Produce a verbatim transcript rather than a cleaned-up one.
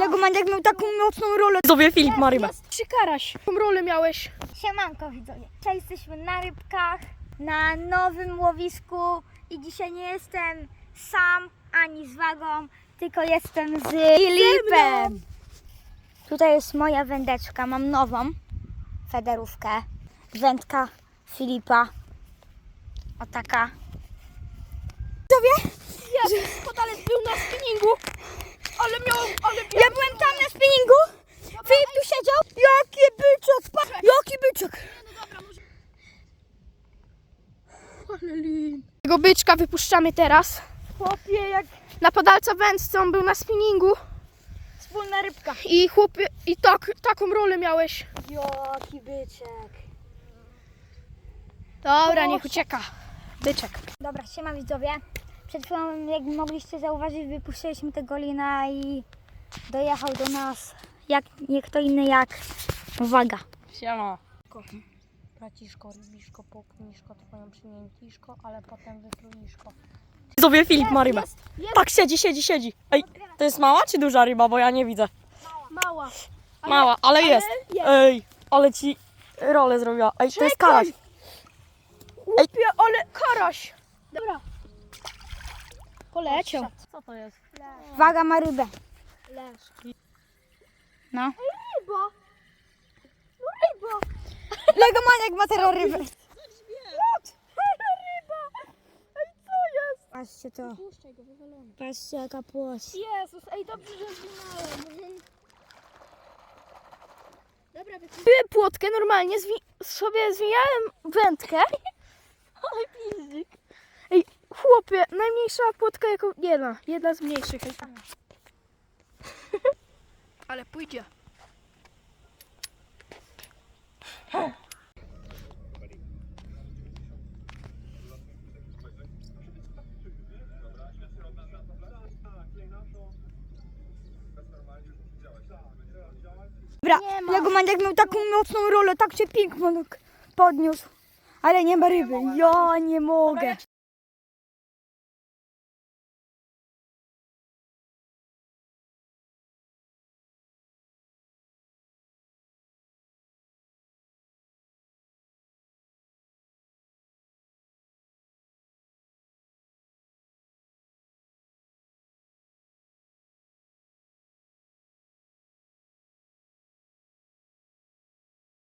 Legomaniak miał taką mocną rolę. Widzowie, Filip ma rybę. Trzy karaś. Jaką rolę miałeś? Siemanko widzowie. Dzisiaj jesteśmy na rybkach, na nowym łowisku i dzisiaj nie jestem sam ani z Wagą, tylko jestem z Filipem. Tutaj jest moja wędeczka, mam nową federówkę. Wędka Filipa. O taka. Widzowie, Ja, podalec był na spinningu, ale miał, ale miał... ja byłem tam na spinningu. Filip tu siedział. Jaki byczek, pa, jaki byczek. Ale lin. Tego byczka wypuszczamy teraz. Chłopie, jak Na podalca wędce, on był na spinningu. wspólna rybka. I chłopie, i tak, taką rolę miałeś. Jaki byczek. Dobra, niech ucieka. Byczek. Dobra, siema widzowie. Przed chwilą, jak mogliście zauważyć, wypuściliśmy tego lina i dojechał do nas jak nie kto inny jak Waga. Siema. Braciszko, rybiszko, popchniszko, twoją przymiętiszko, ale potem wytruiszko. Widzowie, Filip ma rybę. Tak, siedzi, siedzi, siedzi. Ej, to jest mała czy duża ryba, bo ja nie widzę. Mała. Ale, Mała, ale jest. jest. Ej, ale ci rolę zrobiła. Ej, to jest karaś. Chłopie, ale karaś. Dobra. Poleciał. Co to jest? Waga ma rybę. Leż. No. Ryba. No ryba. Legomaniak ma teraz rybę. Ryba. Ej, co jest? Patrzcie to. Puszczaj go, wywalony. Patrzcie jaka płoć. Jezus, ej, dobrze, że zwinąłem. Dobra, wypiłem płotkę normalnie, zwi- sobie zwijałem wędkę. Ale pizdik. Ej, chłopie, najmniejsza płotka jako jedna, jedna z mniejszych. Ale pójdzie. Dobra, Legomaniak miał taką mocną rolę, tak się pięknie podniósł. Ale nie ma ryby. Ja nie mogę.